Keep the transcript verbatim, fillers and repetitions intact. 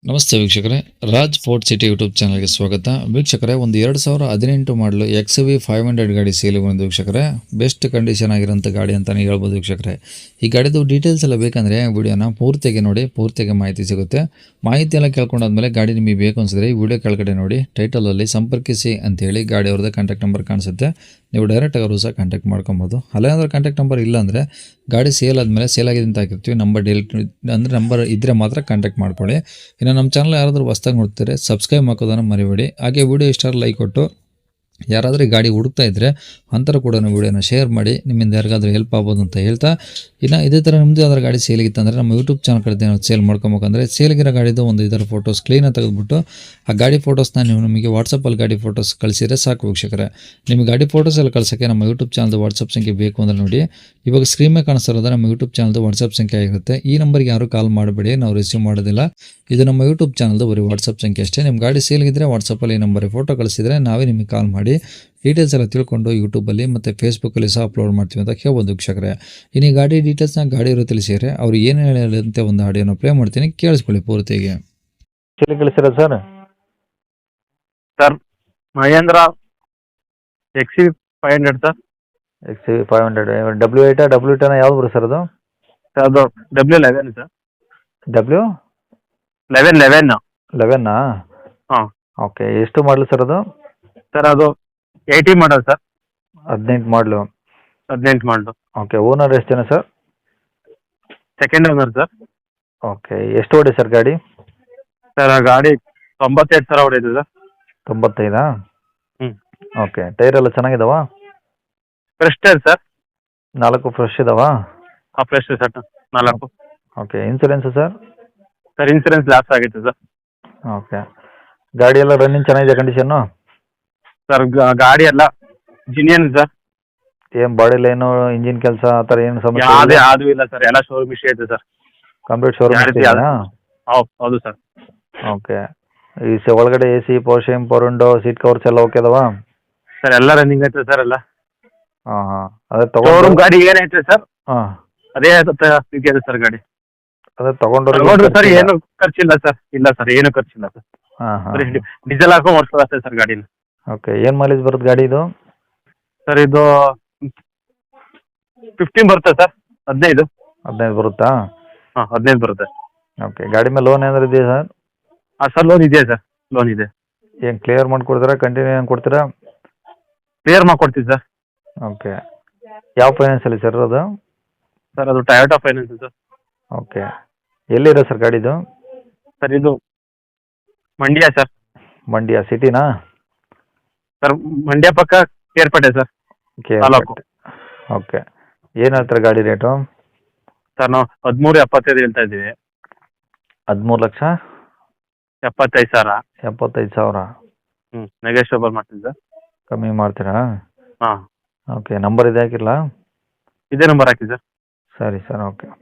ನಮಸ್ತೆ ವೀಕ್ಷಕರೇ, Raj fort city YouTube ಚಾನಲ್ಗೆ ಸ್ವಾಗತ. ವೀಕ್ಷಕರೇ, ಒಂದು ಎರಡು ಸಾವಿರ ಹದಿನೆಂಟು ಮಾಡಲು ಎಕ್ಸ್ ವಿ ಫೈವ್ ಹಂಡ್ರೆಡ್ ಗಾಡಿ ಸೇಲಿಗೆ ಬಂದು ವೀಕ್ಷಕರೇ, ಬೆಸ್ಟ್ ಕಂಡೀಷನ್ ಆಗಿರೋಂಥ ಗಾಡಿ ಅಂತಲೇ ಹೇಳ್ಬೋದು ವೀಕ್ಷಕರೇ. ಈ ಗಾಡಿದು ಡೀಟೇಲ್ಸ್ ಎಲ್ಲ ಬೇಕಂದರೆ ವಿಡಿಯೋನ ಪೂರ್ತಿಯಾಗಿ ನೋಡಿ, ಪೂರ್ತಿಯಾಗಿ ಮಾಹಿತಿ ಸಿಗುತ್ತೆ. ಮಾಹಿತಿ ಎಲ್ಲ ಕೇಳ್ಕೊಂಡಾದ್ಮೇಲೆ ಗಾಡಿ ನಿಮಗೆ ಬೇಕು ಅನಿಸಿದ್ರೆ ಈ ವಿಡಿಯೋ ಕೆಳಗಡೆ ನೋಡಿ, ಟೈಟಲಲ್ಲಿ ಸಂಪರ್ಕಿಸಿ ಅಂತೇಳಿ ಗಾಡಿ ಅವ್ರದ್ದು ಕಾಂಟ್ಯಾಕ್ಟ್ ನಂಬರ್ ಕಾಣಿಸುತ್ತೆ. ನೀವು ಡೈರೆಕ್ಟಾಗಿ ಅವರು ಸಹ ಕಾಂಟ್ಯಾಕ್ಟ್ ಮಾಡ್ಕೊಬೋದು. ಅಲ್ಲೇನಾದ್ರೂ ಕಾಂಟ್ಯಾಕ್ಟ್ ನಂಬರ್ ಇಲ್ಲ ಅಂದರೆ ಗಾಡಿ ಸೇಲ್ ಆದಮೇಲೆ ಸೇಲ್ ಆಗಿದೆ ಅಂತ ಹಾಕಿರ್ತೀವಿ, ನಂಬರ್ ಡಿಲೀಟ್ ಅಂದರೆ ನಂಬರ್ ಇದ್ದರೆ ಮಾತ್ರ ಕಾಂಟ್ಯಾಕ್ಟ್ ಮಾಡ್ಕೊಳ್ಳಿ. ಇನ್ನು ನಮ್ಮ ಚಾನಲ್ ಯಾರಾದರೂ ಹೊಸ್ದಾಗಿ ನೋಡ್ತಾರೆ ಸಬ್ಸ್ಕ್ರೈಬ್ ಹಾಕೋದನ್ನು ಮರಿಬೇಡಿ. ಹಾಗೆ ವಿಡಿಯೋ ಇಷ್ಟ ಲೈಕ್ ಕೊಟ್ಟು ಯಾರಾದರೂ ಗಾಡಿ ಹುಡುಕ್ತಾ ಇದ್ದರೆ ಅಂಥವ್ರು ಕೂಡ ವಿಡಿಯೋನ ಶೇರ್ ಮಾಡಿ, ನಿಮ್ಮಿಂದ ಯಾರಿಗಾದ್ರೂ ಹೆಲ್ಪ್ ಆಗ್ಬೋದು ಅಂತ ಹೇಳ್ತಾ, ಇನ್ನು ಇದೇ ಥರ ನಿಮ್ಮದು ಯಾವ್ದಾರು ಗಾಡಿ ಸೇಲಿಗಿತ್ತಂದರೆ ನಮ್ಮ ಯೂಟ್ಯೂಬ್ ಚಾನಲ್ ಕಡೆ ಸೇಲ್ ಮಾಡ್ಕೊಬೇಕಂದ್ರೆ ಸೇಲ್ಗಿರೋ ಗಾಡಿದು ಒಂದು ಇದರ ಫೋಟೋಸ್ ಕ್ಲೀನಾಗಿ ತೆಗೆದುಬಿಟ್ಟು ಆ ಗಾಡಿ ಫೋಟೋಸ್ನ ನೀವು ನಮಗೆ ವಾಟ್ಸಪ್ಪಲ್ಲಿ ಗಾಡಿ ಫೋಟೋಸ್ ಕಳಿಸಿದರೆ ಸಾಕು ವೀಕ್ಷಕರೇ. ನಿಮಗೆ ಗಾಡಿ ಫೋಟೋಸ್ ಎಲ್ಲ ಕಳ್ಸೋಕ್ಕೆ ನಮ್ಮ ಯೂಟ್ಯೂಬ್ ಚಾನಲ್ದು ವಾಟ್ಸಪ್ ಸಂಖ್ಯೆ ಬೇಕು ಅಂದರೆ ನೋಡಿ, ಇವಾಗ ಸ್ಕ್ರೀನ್ ಮೇಲೆ ಕಾಣಿಸ್ತಿರೋದು ನಮ್ಮ ಯೂಟ್ಯೂಬ್ ಚಾನಲ್ದು ವಾಟ್ಸಪ್ ಸಂಖ್ಯೆ ಆಗಿರುತ್ತೆ. ಈ ನಂಬರ್ಗೆ ಯಾರು ಕಾಲ್ ಮಾಡಬೇಡಿ, ನಾವು ರಿಸೀವ್ ಮಾಡೋದಿಲ್ಲ. ಇದು ನಮ್ಮ ಯೂಟ್ಯೂಬ್ ಚಾನಲ್ದು ಬರೀ ವಾಟ್ಸಪ್ ಸಂಖ್ಯೆ ಅಷ್ಟೇ. ನಿಮ್ಮ ಗಾಡಿ ಸೇಲ್ಗಿದ್ರೆ ವಾಟ್ಸಪ್ಪಲ್ಲಿ ಈ ನಂಬರಿಗೆ ಫೋಟೋ ಕಳಿಸಿದರೆ ನಾವೇ ನಿಮಗೆ ಕಾಲ್ ಮಾಡಿ ಡೀಟೇಲ್ಸ್ ಎಲ್ಲ ತಿಳ್ಕೊಂಡು ಯೂಟ್ಯೂಬಲ್ಲಿ ಮತ್ತು ಫೇಸ್ಬುಕ್ಕಲ್ಲಿ ಸಹ ಅಪ್ಲೋಡ್ ಮಾಡ್ತೀವಿ ಅಂತ ಹೇಳ್ಬೋದು ವೀಕ್ಷಕರೇ. ಇನ್ನು ಈ ಗಾಡಿ ಡೀಟೇಲ್ಸ್ನ ಗಾಡಿ ಇರೋ ತಿಳಿಸಿದರೆ ಅವ್ರು ಏನು ಹೇಳಂತೆ ಒಂದು ಆಡಿಯೋನ ಪ್ಲೇ ಮಾಡ್ತೀನಿ, ಕೇಳಿಸ್ಕೊಳ್ಳಿ ಪೂರ್ತಿಯಾಗಿ. ಚಳಿ ಕಳಿಸಿರ sir sir Mahindra X V five hundred sir. X V five hundred W ಏಟಾ ಡಬ್ಲ್ಯೂ ಟೆನ ಯಾವ್ದು ಬರುತ್ತೆ ಸರ್ ಅದು? ಸರ್ ಅದು W eleven sir. W eleven eleven ಲೆವೆನ್ನಾ? ಹಾಂ ಓಕೆ. ಎಷ್ಟು ಮಾಡಲು ಸರ್ ಅದು? ಸರ್ ಅದು ಏಯ್ಟಿ ಮಾಡಲ್ ಸರ್. ಹದಿನೆಂಟು ಮಾಡಲು. ಹದಿನೆಂಟು ಮಾಡಲು. ಓಕೆ. ಓನರ್ ಎಷ್ಟು ಜನ sir? Second owner sir. Okay. ಎಷ್ಟು ಓಡಿ ಸರ್ ಗಾಡಿ? ಸರ್ ಆ ಗಾಡಿ ತೊಂಬತ್ತೈದು ಸಾವಿರ ಹೊಡೆಯಿದೆ ಸರ್. ತೊಂಬತ್ತೈದಾ? ಹ್ಞೂ. ಓಕೆ. ಟೈರ್ ಎಲ್ಲ ಚೆನ್ನಾಗಿದಾವಾ? Fresh tyre sir. ನಾಲ್ಕು ಫ್ರೆಶ್ ಇದಾವಾ? ಹಾಂ ಫ್ರೆಶ್ ಸರ್ ನಾಲ್ಕು. Okay. Insurance sir? Sir insurance lapse ಆಗೈತೆ ಸರ್. ಓಕೆ. ಗಾಡಿ ಎಲ್ಲ ರನ್ನಿಂಗ್ ಚೆನ್ನಾಗಿದೆ ಕಂಡೀಷನ್ನು? ಸರ್ ಗಾಡಿ ಎಲ್ಲ ಜಿನಿಯನ್ ಸರ್. ಏನು ಬಾಡಿ ಲೈನು ಇಂಜಿನ್ ಕೆಲಸ ಆ ಥರ ಏನು ಸಮಸ್ಯೆ ಯಾವುದೇ ಯಾವುದೂ ಇಲ್ಲ ಸರ್, ಎಲ್ಲ ಶೋರೂಮ್ ಇಶ್ಯೂ ಐತೆ ಸರ್. ಕಂಪ್ಲೀಟ್ ಶೋರೂಮ್ ಇದೆಯಾ? ಹೌದು ಹೌದು ಸರ್. ಓಕೆ. ಈ ಸ ಒಳಗಡೆ ಎ ಸಿ ಪವರ್ ಶೇಮ್ ಪವರ್ ವಿಂಡೋ ಸೀಟ್ ಕವರ್ಸ್ ಎಲ್ಲ ಓಕೆ ಅದಾವಾ? ಸರ್ ಎಲ್ಲ ರನ್ನಿಂಗ್ ಐತೆ ಸರ್ ಎಲ್ಲ. ಹಾಂ ಹಾಂ. ಅದೇ ಶೋರೂಮ್ ತಗೊಂಡು ಗಾಡಿ ಏನೈತೆ ಸರ್ ಹಾಂ ಅದೇ ಇದೆ ಸರ್ ಗಾಡಿ. ಅದೇ ತಗೊಂಡ್ರೆ ತಗೊಂಡ್ರು ಸರ್ ಏನು ಖರ್ಚಿಲ್ಲ ಸರ್. ಇಲ್ಲ ಸರ್ ಏನು ಖರ್ಚಿಲ್ಲ ಸರ್. ಹಾಂ ಹಾಂ. ಬರೀ ಡೀಸೆಲ್ ಹಾಕೊಂಡು ಓಡಿಸೋದಷ್ಟೇ ಸರ್ ಗಾಡಿನ. ಓಕೆ. ಏನು ಮೈಲೇಜ್ ಬರುತ್ತೆ ಗಾಡಿ ಇದು? ಸರ್ ಇದು ಫಿಫ್ಟೀನ್ ಬರುತ್ತೆ ಸರ್. ಹದಿನೈದು. ಹದಿನೈದು ಬರುತ್ತಾ? ಹಾಂ ಹದಿನೈದು ಬರುತ್ತೆ. ಓಕೆ. ಗಾಡಿ ಮೇಲೆ ಲೋನ್ ಏನಾದ್ರು ಇದೆಯಾ ಸರ್? ಹಾಂ ಸರ್ ಲೋನ್ ಇದೆ ಸರ್, ಲೋನ್ ಇದೆ. ಏನು ಕ್ಲಿಯರ್ ಮಾಡಿಕೊಡ್ತೀರಾ ಕಂಟಿನ್ಯೂ ಏನು ಕೊಡ್ತೀರಾ? ಕ್ಲಿಯರ್ ಮಾಡ್ಕೊಡ್ತೀವಿ ಸರ್. ಓಕೆ. ಯಾವ ಫೈನಾನ್ಸಲ್ಲಿ ಸರ್ ಅದು? ಸರ್ ಅದು ಟೊಯೋಟಾ ಫೈನಾನ್ಸ್ ಸರ್. ಓಕೆ. ಎಲ್ಲಿರೋ ಸರ್ ಗಾಡಿದು? ಸರ್ ಇದು ಮಂಡ್ಯ ಸರ್. ಮಂಡ್ಯ ಸಿಟಿನಾ? ಸರ್ ಮಂಡ್ಯ ಪಕ್ಕ Kerpete sir okay. Taluk. Okay. ಏನು ಹೇಳ್ತಾರೆ ಗಾಡಿ ರೇಟು? ಸರ್ ನಾವು ಹದಿಮೂರು ಎಪ್ಪತ್ತೈದು ಹೇಳ್ತಾ ಇದ್ದೀವಿ. ಹದಿಮೂರು ಲಕ್ಷ ಎಪ್ಪತ್ತೈದು ಸಾವಿರ. ಎಪ್ಪತ್ತೈದು ಸಾವಿರ? ಹ್ಞೂ ನೆಗೋಷಿಯಬಲ್ ಮಾಡ್ತೀವಿ ಸರ್. ಕಮ್ಮಿ ಮಾಡ್ತೀರಾ? ಹಾಂ ಓಕೆ. ನಂಬರ್ ಇದೆ ಹಾಕಿರಲಾ? ಇದೇ ನಂಬರ್ ಹಾಕಿ ಸರ್. ಸರಿ ಸರ್. ಓಕೆ.